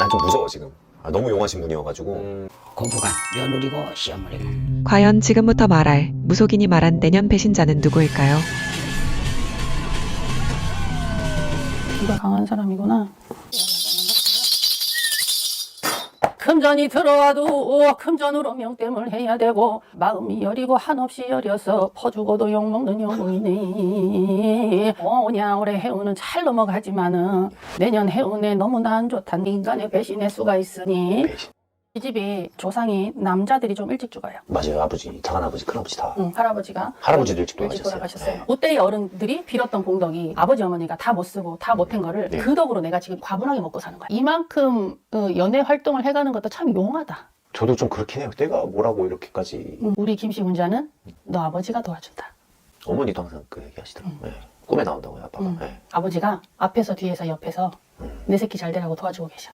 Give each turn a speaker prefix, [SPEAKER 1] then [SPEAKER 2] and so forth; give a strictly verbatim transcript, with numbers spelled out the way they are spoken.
[SPEAKER 1] 난 좀 무서워 지금. 아, 너무 용하신 분이어가지고. 음.
[SPEAKER 2] 고부가 며느리고 시어머니고.
[SPEAKER 3] 과연 지금부터 말할 무속인이 말한 내년 배신자는 누구일까요?
[SPEAKER 4] 기가 강한 사람이구나. 금전이 들어와도 금전으로 명땜을 해야 되고 마음이 여리고 한없이 여려서 퍼주고도 욕먹는 영웅이네. 오냐 올해 해운은 잘 넘어가지만은 내년 해운에 너무나 안 좋단 인간의 배신의 수가 있으니
[SPEAKER 1] 배신.
[SPEAKER 4] 이 집이 조상이 남자들이 좀 일찍 죽어요.
[SPEAKER 1] 맞아요. 아버지, 작은아버지, 큰아버지 다.
[SPEAKER 4] 응, 할아버지가
[SPEAKER 1] 할아버지도 일찍
[SPEAKER 4] 일찍
[SPEAKER 1] 돌아가셨어요.
[SPEAKER 4] 돌아가셨어요.
[SPEAKER 1] 네.
[SPEAKER 4] 그때의 어른들이 빌었던 공덕이 아버지 어머니가 다 못 쓰고 다 못한 거를
[SPEAKER 1] 네.
[SPEAKER 4] 그 덕으로 내가 지금 과분하게 먹고 사는 거야. 이만큼 어, 연애 활동을 해가는 것도 참 용하다.
[SPEAKER 1] 저도 좀 그렇긴 해요. 내가 뭐라고 이렇게까지.
[SPEAKER 4] 응, 우리 김씨 문자는 너 아버지가 도와준다.
[SPEAKER 1] 어머니도 항상 그 얘기 하시더라고요.
[SPEAKER 4] 음.
[SPEAKER 1] 네. 꿈에 나온다고요, 아빠가.
[SPEAKER 4] 응.
[SPEAKER 1] 네.
[SPEAKER 4] 아버지가 앞에서 뒤에서 옆에서
[SPEAKER 1] 음.
[SPEAKER 4] 내 새끼 잘 되라고 도와주고 계셔.